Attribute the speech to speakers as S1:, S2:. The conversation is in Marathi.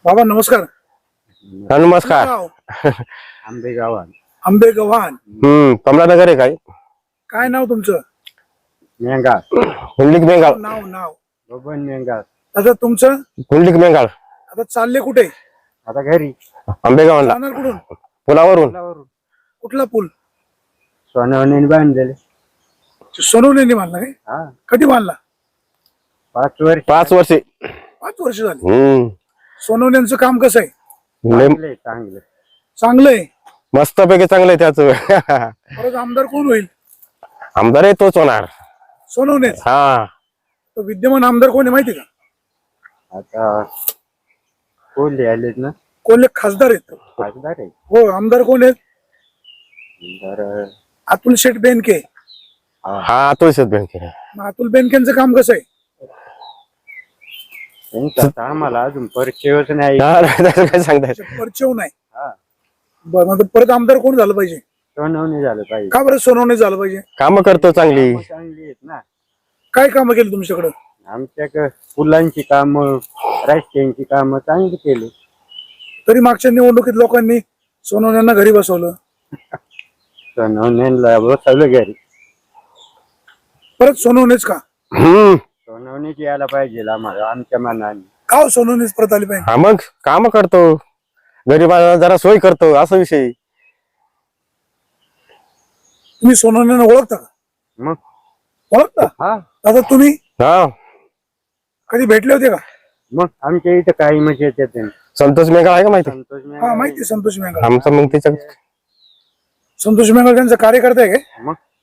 S1: बाबा नमस्कार.
S2: नमस्कार.
S1: गाव?
S3: आंबेगावात
S1: आंबेगव्हाण.
S2: कमलानगर आहे काय?
S1: काय नाव तुमचं?
S3: मेंगा
S2: कुंडलिक मेंगाळ.
S1: नाव नाव
S3: बबन मेंगा.
S1: आता तुमचं
S2: कुंडलिक मेंगाळ.
S1: आता चालले कुठे?
S3: आता घरी
S2: आंबेगावला
S1: जाणार कुठून?
S2: पुलावरून.
S1: कुठला पूल?
S3: सोनवणे बांधलेले.
S1: सोनवणे बांधला काय?
S3: हा
S1: कधी बांधला?
S3: 5 वर्ष
S2: 5 वर्षे.
S1: 5 वर्ष झाली. सोनवण्यांचं काम कसं आहे?
S3: चांगले चांगले.
S1: चांगलंय.
S2: मस्त पैकी चांगलं आहे त्याच.
S1: परत आमदार कोण होईल?
S2: आमदार आहे तोच होणार.
S1: सोनवणेच.
S2: हा
S1: तो विद्यमान आमदार कोण आहे माहिती का?
S3: आता कोल्हे आलेत ना.
S1: कोल्हे खासदार आहेत.
S3: खासदार आहे.
S1: हो आमदार कोण आहेत?
S3: तर
S1: अतुल शेठ बेनके.
S2: हा तोच बँक.
S1: मग अतुल बेनकेंचं काम कसं आहे?
S3: त्यांचा आता आम्हाला अजून परिचयच नाही.
S2: काय सांगताय?
S1: परिचय नाही.
S3: हा
S1: बरं मग परत आमदार कोण झालं पाहिजे?
S3: सोनवणे झालं पाहिजे.
S1: का बरं सोनवणे झालं पाहिजे?
S2: काम करतो चांगली.
S3: कामं चांगली आहेत ना.
S1: काय कामं केली तुमच्याकडं?
S3: आमच्याकडे फुलांची कामं रस्त्यांची कामं चांगली केली.
S1: तरी मागच्या निवडणुकीत लोकांनी सोनवण्यांना घरी बसवलं.
S3: सोनवणेला बसवलं घरी.
S1: परत सोनवणेच का?
S3: सोनवणेच यायला पाहिजे आम्हाला आमच्या मनाने.
S1: का हो सोनवणेच परत आली पाहिजे?
S2: हा मग काम करतो, गरीबाला जरा सोय करतो असा विषय.
S1: तुम्ही सोनवण्यांना ओळखता का?
S3: मग
S1: ओळखता?
S3: हा
S1: आता तुम्ही
S2: हा
S1: कधी भेटले होते का?
S3: मग आमच्या इथं काही म्हणजे येते.
S2: संतोष मेंगाळ आहे का माहिती?
S3: संतोष
S1: हा माहिती संतोष मेंगल.
S2: आमचं मग त्याच्या
S1: संतोष मेंगल त्यांचा कार्यकर्ता आहे काय?
S3: मग